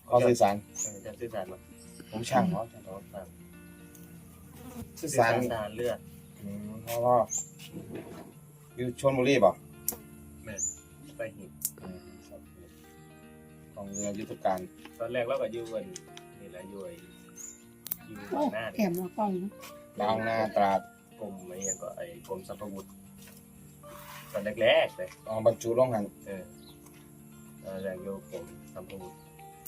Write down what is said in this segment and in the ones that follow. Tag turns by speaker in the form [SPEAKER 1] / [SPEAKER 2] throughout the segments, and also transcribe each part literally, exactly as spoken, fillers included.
[SPEAKER 1] เขาสื่อสาร
[SPEAKER 2] จะสื่อสารมา
[SPEAKER 1] ผมช่างเขา
[SPEAKER 2] เขาฟัง
[SPEAKER 1] สื่อ
[SPEAKER 2] สื่อ
[SPEAKER 1] สา
[SPEAKER 2] สาร รทางเลือด
[SPEAKER 1] อืมเพราะว่าอยู่ชลบุรีป่ะ
[SPEAKER 2] แม่ไปหิน
[SPEAKER 1] อืมครับของเรือยุทธการ
[SPEAKER 2] ตอนแรกเราก็อยู่กันนี่แหละอยู่ไอ้อยู่
[SPEAKER 3] โอ้
[SPEAKER 2] บางหน้า
[SPEAKER 3] แถมมากล้องนะ
[SPEAKER 1] ดาวนาตราด
[SPEAKER 2] กรมไอ้ยังก็ไอ้กรมสรรพาวุธตอนแรกๆเลย
[SPEAKER 1] เอาบรรจุลงหัน
[SPEAKER 2] เออตอนแรกอยู่กรมสรรพาวุธ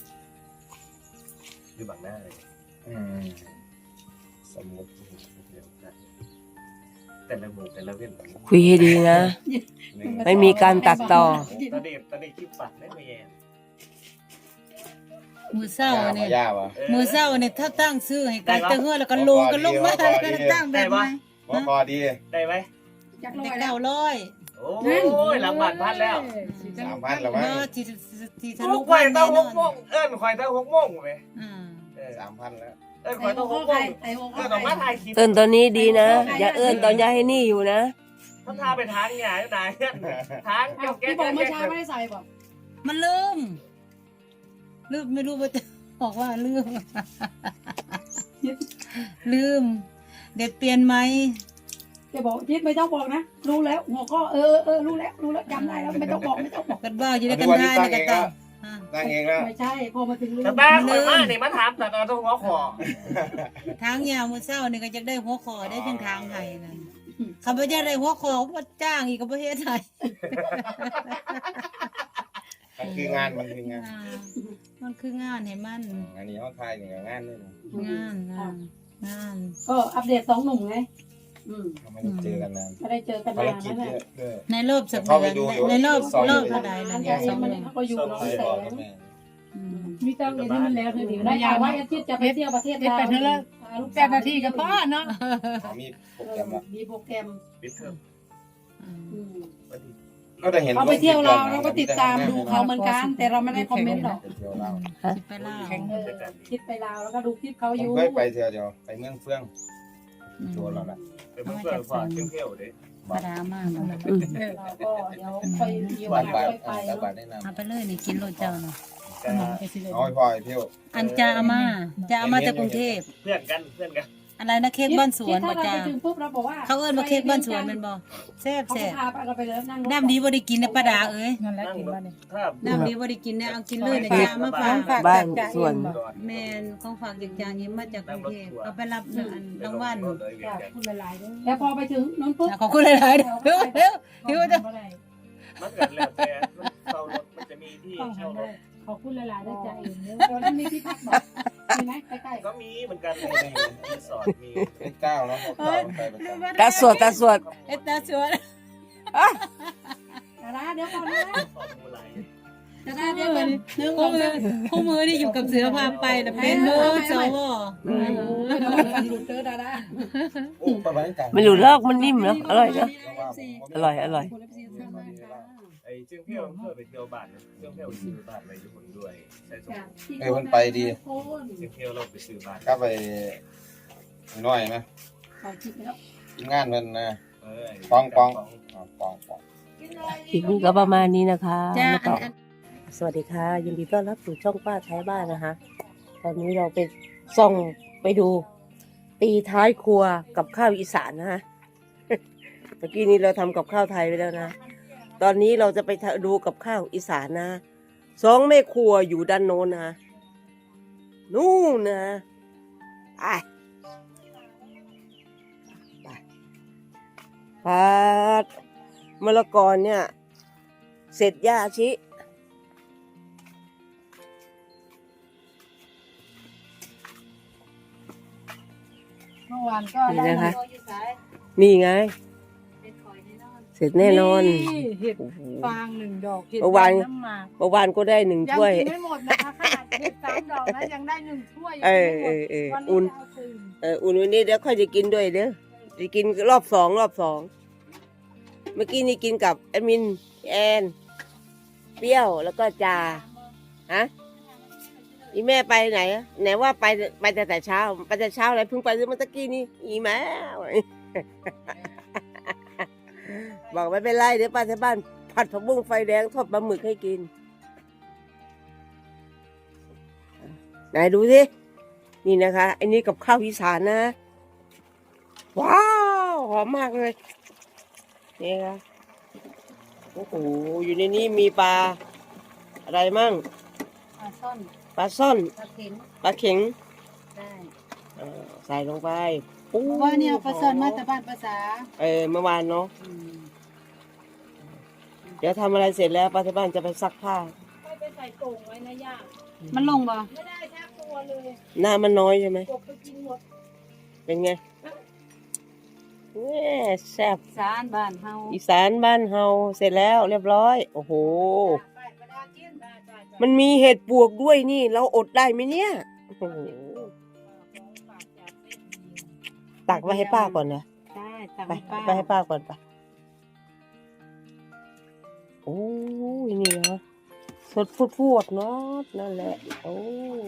[SPEAKER 2] อยู่บางหน้าเลย
[SPEAKER 1] อืมสมุด
[SPEAKER 2] เดียวกันแต่ละหมู่แต่ละเว้น
[SPEAKER 4] คุยให้ดีนะ ไม่มีการตัดต่อ
[SPEAKER 2] ตอนเด็กตอนเด็กคลิปปัดได้ไหมแย่
[SPEAKER 3] มือเศร้า
[SPEAKER 1] ย่า
[SPEAKER 3] เนี่
[SPEAKER 1] มาย ย่าวะ
[SPEAKER 3] มือเศร้าเนี่ยถ้าตั้งซื้อให้กันเตะเฮือแล้วก็ลงกันลงมาแล้วก็ตั้งแบบไหน
[SPEAKER 1] ว่าพอดี
[SPEAKER 2] ได้ไหม
[SPEAKER 3] จากร้อยเก้าร้อย
[SPEAKER 2] โอ้ยหลังบ้านพันแล้ว
[SPEAKER 1] สามพันแล้วมั้ง
[SPEAKER 3] ก็ที่ที่ทะ
[SPEAKER 2] ลู
[SPEAKER 3] ลุ
[SPEAKER 2] กควาย
[SPEAKER 3] แน่
[SPEAKER 2] ตั้งห
[SPEAKER 3] นอก
[SPEAKER 2] โม
[SPEAKER 3] น
[SPEAKER 2] งเอิ้นควายตั้งหกโมงไหม
[SPEAKER 3] อ่า
[SPEAKER 2] เออ
[SPEAKER 1] สามพันแล้ว
[SPEAKER 2] เอิ้นควายตั้งหกโมงเอิ้นออกมาถ่ายคลิป
[SPEAKER 4] เอิ้นตอนนี้ดีนะ อย่าเอิ้นตอนยายให้นี่อยู่นะ
[SPEAKER 2] มันพาไปทางใหญ่ไหนทางเกี่ยวแก้
[SPEAKER 5] พี่บอกเมื่อเช้าไม่ได้ใส่บอก
[SPEAKER 3] มันลืมลืมไม่รู้ว่าจะบอกว่าลืมลืม เด็ดเปลี่ยนไหม
[SPEAKER 5] แกบอกยิดไม่ต้องบอกนะรู้แล้วหัวข้อเออเออรู้แล้วรู้แล้วจำได้แล้วไม่ต้องบอกไม่ต้องบอก
[SPEAKER 3] กันบ้าอยู่ด้วยกันได้นะกันตา
[SPEAKER 1] ตั้งเองแล้ว
[SPEAKER 5] ไม่ใช่พอมาถึงรู้
[SPEAKER 2] แต่บ้านคนมาเนี่ยมาถามแต่ตอนต้องหัวคอ
[SPEAKER 3] ทางยาวมือเศร้านี่ก็จะได้หัวคอได้เป็นทางไทยนั่นเขาไม่ได้ได้หัวคอเขาก็จ้างอีกกับประเทศไทย
[SPEAKER 1] มันคืองานมันคืองาน
[SPEAKER 3] อ่ามันคืองานให้มัน
[SPEAKER 1] งานนี้เขาทายอย่างงานนี่นะ
[SPEAKER 3] งานงานงาน
[SPEAKER 5] ก็อัปเดตสองหนุ่มไงอืม
[SPEAKER 1] เขาไม่ได้เจอกันนาน
[SPEAKER 5] ไม่ได้เจอกัน
[SPEAKER 1] ภาร
[SPEAKER 5] นาน
[SPEAKER 1] กิจ
[SPEAKER 5] นั่นแห
[SPEAKER 1] เย
[SPEAKER 5] ละ
[SPEAKER 1] อะด้วย
[SPEAKER 3] ในรอบสัป
[SPEAKER 1] เข้า
[SPEAKER 3] ดา
[SPEAKER 1] ไป
[SPEAKER 3] ห์
[SPEAKER 1] ดูอยู่
[SPEAKER 3] ในรอบ
[SPEAKER 1] ซอย
[SPEAKER 3] รอบ
[SPEAKER 1] อยู่
[SPEAKER 3] เท่าใด
[SPEAKER 5] อั
[SPEAKER 3] นั่
[SPEAKER 5] น
[SPEAKER 3] น
[SPEAKER 5] นี้
[SPEAKER 3] เนี่ยสอง
[SPEAKER 5] มัน
[SPEAKER 3] เดือน
[SPEAKER 5] เขาก็อยู่น้อง
[SPEAKER 1] ไป
[SPEAKER 5] แส
[SPEAKER 1] บอก
[SPEAKER 5] ง
[SPEAKER 1] กับแม่
[SPEAKER 3] อืม
[SPEAKER 5] มีเจ้าเห็นที่มันแล้วเธอดีได้ข่าวว่าอาทิตย์จะไปเที่ยวประเทศลาว
[SPEAKER 6] แปดนาทีกับพ่อเนาะ
[SPEAKER 1] เขามีโปรแกรมละ
[SPEAKER 5] มีโปรแกรม
[SPEAKER 2] ปิดเทอม
[SPEAKER 3] อืม
[SPEAKER 5] อืม
[SPEAKER 2] วันที่
[SPEAKER 1] ก็จะเห็น
[SPEAKER 5] เขาไปเที่ยวลาวเราก็ติดตามดูเขาเหมือนกันแต่เราไม่ได้คอมเมนต์หรอก
[SPEAKER 1] ไปเที่ยวลาว
[SPEAKER 3] สิไปล่า
[SPEAKER 5] เออคิดไปลาวแล้วก็ดูคลิปเขา
[SPEAKER 1] ผ
[SPEAKER 5] อ
[SPEAKER 1] ม
[SPEAKER 5] ยู่
[SPEAKER 1] เคยไปเที่ยวเดียวไปเมืองเฟื่อง
[SPEAKER 3] อืม
[SPEAKER 1] ชัวร์แล้วล่ะ
[SPEAKER 2] เป็นเพื่อนฝากเที่ยวๆเด้
[SPEAKER 3] ปลาดามากเลย
[SPEAKER 5] เราก็เดี๋ยวค่อยมีโอ
[SPEAKER 1] บ้าน
[SPEAKER 5] กา
[SPEAKER 1] บา
[SPEAKER 5] ส
[SPEAKER 1] ท
[SPEAKER 5] ค่อยไป
[SPEAKER 1] บ้านบาทแนะน
[SPEAKER 3] เอาไปเลยนี่กินโรดเจ้าเนาะ
[SPEAKER 2] แต่
[SPEAKER 1] ำเอาให้พ่อไปเที่ยว
[SPEAKER 3] อันจะเอามาจะเอามาจากกรุงเทพ
[SPEAKER 2] เพื่อนกันเพื่อนกัน
[SPEAKER 3] อะไรนะเค้กบ้านสวน
[SPEAKER 5] ถ้า
[SPEAKER 3] บ่
[SPEAKER 5] เรา
[SPEAKER 3] จ้า
[SPEAKER 5] ไปถึงปุ๊บเราบอกว่า
[SPEAKER 3] เขาเอิ้นว่าเค้กบ้านสวนแมันบ่แซ่บ
[SPEAKER 5] เขา
[SPEAKER 3] แซ่บ
[SPEAKER 5] พาไปเราไปเลยนั่งรถ
[SPEAKER 3] น้ำดีบ่ได้กินนะป้าดาเอ้ย
[SPEAKER 6] นั่นแหละกินบ้านนี่
[SPEAKER 2] ถ้า
[SPEAKER 3] น้ำดีบ่ได้กินนะเอากินเลยนะจ้ามาฝาก
[SPEAKER 4] บ้านส่วน
[SPEAKER 3] แม่นของฝากจากจางยิ้มมาจากกรุงเทพเอาไปรับอันรางวัล
[SPEAKER 5] จ้ะพูดหลายๆด้วยแล้วพอไปถึงนู้นปุ๊บ
[SPEAKER 3] ขอบคุณหลายๆเด้อเร็วเร็วเร็วจะ
[SPEAKER 2] มันเกิดแล้วแต่เช่ารถมันจะมีที่เช่ารถ
[SPEAKER 5] ขอบคุณหลายๆด้วยใจเองตอนนั้นมีที่พักบอกมีไหมใกล้
[SPEAKER 2] ก็มีเหมือนกันมีรีสอร์ทมี
[SPEAKER 1] เป็นเก้าเนาะพวกเก้าไปประจำ
[SPEAKER 4] ตาสวดตาสวด
[SPEAKER 3] เอ็ดตาสวน
[SPEAKER 5] ๆดาราเดี๋ยวก่อนนะ
[SPEAKER 2] สอนมูไหล
[SPEAKER 5] ดาราเดี๋ยวก่อนหนึ่งส
[SPEAKER 3] คู่
[SPEAKER 5] อง
[SPEAKER 3] มือ
[SPEAKER 5] สาม
[SPEAKER 3] คู่มือที่อยู่กับเสือพาไปน่ะเป็นเบอร์สว
[SPEAKER 5] เออหลุดเจอดารา
[SPEAKER 1] โอ้ประมาณนี้กัน
[SPEAKER 4] ไม่รู้เลิกมันนิ่มเนาะอร่อยนะอร่อยอร่อย
[SPEAKER 2] ไอ้เชื่องเที่ยวเพื่อไปเที่ยวบ้านเชื่องเที่ยวซื้อบ้านไปญี่ปุ่นด้วยใช่สม
[SPEAKER 1] เออมันไปดี
[SPEAKER 2] เชื่องเที่ยวเราไปซื้อบ้าน
[SPEAKER 1] ก็ไปน้อยไหม
[SPEAKER 5] เขาคิดแล้ว
[SPEAKER 1] ทีมงานมันนะ
[SPEAKER 2] เออ
[SPEAKER 1] ปองปองอ๋อปองปอง
[SPEAKER 4] คลิปนี้ก็ประมาณนี้นะคะ
[SPEAKER 3] จ้า
[SPEAKER 4] แล้วก็สวัสดีค่ะ ยินดีต้อนรับสู่ช่องป้าท้ายบ้านนะคะ ตอนนี้เราไปส่องไปดู ตีท้ายครัวกับข้าวอีสานนะฮะ เมื่อกี้นี้เราทำกับข้าวไทยไปแล้วนะ ตอนนี้เราจะไปดูกับข้าวอีสานนะสองแม่ครัวอยู่ด้านโน้นนะนู่นนะไปไปปัดมะละกอเนี่ย เสร็จย่าชิ
[SPEAKER 6] เมื่อวานก็
[SPEAKER 4] นี่
[SPEAKER 6] ได้
[SPEAKER 4] นะคะ นี่ไง เสร็จแน่นอน
[SPEAKER 6] เห็ดฟางหนึ่งดอกเห็ด
[SPEAKER 4] เมื่อวาน
[SPEAKER 6] น้ำหมาก
[SPEAKER 4] เมื่อวานก็ได้หนึ่ง
[SPEAKER 6] ยัง
[SPEAKER 4] ถ้วย
[SPEAKER 6] กินไม่หมดนะคะขนาดเห็ดสามดอกนะยังได้หนึ่งถ้วยยัง
[SPEAKER 4] เอ
[SPEAKER 6] กิน
[SPEAKER 4] อ
[SPEAKER 6] ไม่หมด
[SPEAKER 4] เออเออ
[SPEAKER 6] วัน
[SPEAKER 4] อุ่น
[SPEAKER 6] นี้จะเอาคืน
[SPEAKER 4] เอออุ่นวันนี้เดี๋ยวค่อยจะกินด้วยเด้อจะกินรอบสองรอบสองเมื่อกี้นี่กินกับแอดมินแอนเปรี้ยวแล้วก็จาฮะอีแม่ไปไหนอะไหนว่าไปไปแต่แต่เช้าไปแต่เช้าอะไรเพิ่งไปเมื่อตะกี้นี่อีแม่ บอกไม่เป็นไรเดี๋ยวป้าที่บ้านผัดผักบุ้งไฟแดงทอดปลาหมึกให้กินไหนดูสินี่นะคะอันนี้กับข้าวอีสานนะว้าวหอมมากเลยนี่ค่ะโอ้โหอยู่ในนี้มีปลาอะไรมั่ง
[SPEAKER 3] ปลาซ่อน
[SPEAKER 4] ปลาซ่อน
[SPEAKER 3] ปลาเข็ง
[SPEAKER 4] ปลาเข็ง
[SPEAKER 3] ได้
[SPEAKER 4] เออใส่ลงไปโอ้
[SPEAKER 3] เพราะว่าเนี่ยเอาปลาซ่อนมาแต่บ้านภาษา
[SPEAKER 4] เออเมื่อวานเนาะ
[SPEAKER 3] อืม
[SPEAKER 4] เดี๋ยวทำอะไรเสร็จแล้วป้าที่บ้านจะไปซักผ้า
[SPEAKER 6] ค่อยไปใส่โต่งไว้นะย่า
[SPEAKER 3] มันลงบ่
[SPEAKER 6] ไม่ได้ชักตัวเลย
[SPEAKER 4] หน้ามันน้อยใช่ไหม
[SPEAKER 6] กบไปกินหมด
[SPEAKER 4] เป็นไงแม่แซ่บ
[SPEAKER 3] สารบ้านเฮา
[SPEAKER 4] อีสานบ้านเฮาเสร็จแล้วเรียบร้อย โอ้โห
[SPEAKER 6] ไปกระดาษเกี้ยนได้ได้ได้
[SPEAKER 4] มันมีเห็ดปวกด้วยนี่ เราอดได้ไหมเนี่ยโอ้โห
[SPEAKER 6] ฝากจากเส้นดี
[SPEAKER 4] ตักไว้ให้ป้าก่อนนะ
[SPEAKER 3] ได้ตัก
[SPEAKER 4] ไป
[SPEAKER 3] ให้ป้า
[SPEAKER 4] ไปให้ป้าก่อนไปโอ้ยนี่นะสดพูดพูดเนาะนั่นแหละโอ้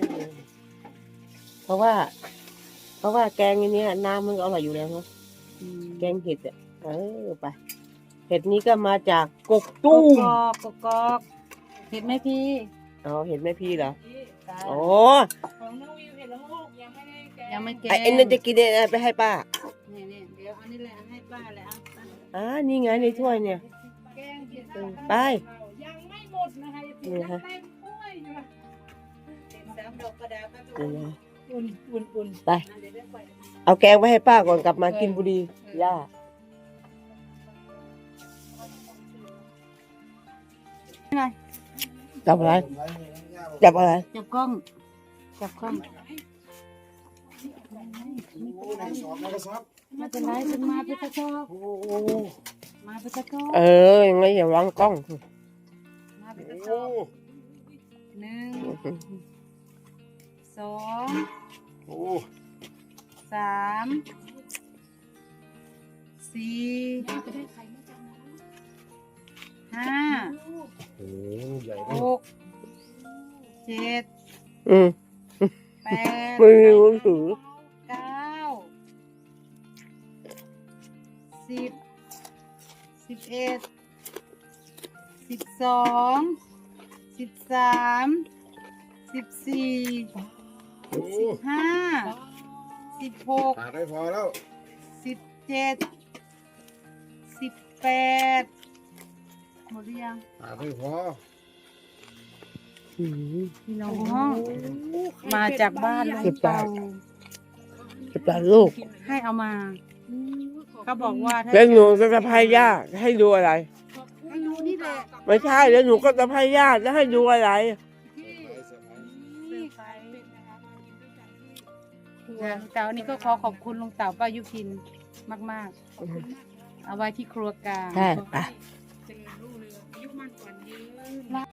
[SPEAKER 4] เพราะว่า เพราะว่าแกงอันเนี้ยน้ำมันก็อร่อยอยู่แล้วเนาะ
[SPEAKER 3] อืม
[SPEAKER 4] แกงเห็ดอ่ะเออไปเห็ดนี้ก็มาจากกก
[SPEAKER 3] ก
[SPEAKER 4] ตุ้ม
[SPEAKER 3] กอกกกอกเห็นไหมพี่
[SPEAKER 4] อ๋อเห็ดแม่พี่เหรอ
[SPEAKER 3] จ้า
[SPEAKER 4] โอ้
[SPEAKER 6] ของน้องวิวเห็นแล้วลูกยังไม่ได้แกะ
[SPEAKER 3] ยังไม่แก
[SPEAKER 4] ไอ้ไอ้นั่นจะกินเนี่ยไปให้ป้า
[SPEAKER 3] นี่นี่เดี๋ยวเอันนี้แหละให้ป้าเลยอ่ะป้า
[SPEAKER 4] อ่านี่ไงในถ้วยเนี่ย
[SPEAKER 6] แกงเห็ด
[SPEAKER 4] เออไป
[SPEAKER 6] ยังไม่หมดนะคะ
[SPEAKER 4] นี่
[SPEAKER 6] ยัง
[SPEAKER 4] นะคะ
[SPEAKER 6] เต็มถ้วยอยู่นะ
[SPEAKER 3] เห็นสามดอกกระดาษป้า
[SPEAKER 4] นี่นะ
[SPEAKER 6] อุ่นอุ่นอุ่น
[SPEAKER 4] ไป
[SPEAKER 3] อันเดี๋ยวได้ไป
[SPEAKER 4] เอาแกงไว้ให้ป้าก่อนกลับมากินบุรีย่าจับอะไรจับอะไร
[SPEAKER 3] จับกล้องจับกล้อง
[SPEAKER 1] โอ้ในสอบในกระสอบ
[SPEAKER 3] ไมาเป็นไรถึงมาไปตะชอบ
[SPEAKER 1] โอ้
[SPEAKER 3] มาไปตะชอบ
[SPEAKER 4] เออยังไงอย่าวางกล้อง
[SPEAKER 3] มาไปตะช
[SPEAKER 1] โอ้
[SPEAKER 3] อบหนึ่งสอง
[SPEAKER 1] โอ้
[SPEAKER 3] สามสี่ห้า
[SPEAKER 1] โหใหญ่
[SPEAKER 3] หกเจ็ด
[SPEAKER 4] อืม
[SPEAKER 3] แปด
[SPEAKER 4] มือถือ
[SPEAKER 3] เก้าสิบสิบเอ็ดสิบสองสิบสามสิบสี่
[SPEAKER 1] โอ้
[SPEAKER 3] สิบห้าสิบหก
[SPEAKER 1] ขาดไม่พอแล้ว
[SPEAKER 3] สิบเจ็ดสิบแปดหมดหรือยัง
[SPEAKER 1] ขาดไม่พอ
[SPEAKER 4] อืม
[SPEAKER 3] พี่น้องห้องมาจากบ้านลุงเปา
[SPEAKER 4] จะปลาลูก
[SPEAKER 3] ให้เอามาเขาบอกว่าถ้า
[SPEAKER 4] แล้วหนูจะจะพายย่าให้ดูอะไร
[SPEAKER 3] ให้ดูนี่แหละ
[SPEAKER 4] ไม่ใช่แล้วหนูก็จะพายย่าจะให้ดูอะไร
[SPEAKER 3] นี่ไปลุงเต่านี่ก็ขอขอบคุณลุงเต่าป้ายุพินมากๆ เอาไว้ที่ครัวกลาง
[SPEAKER 4] ใช่ปะ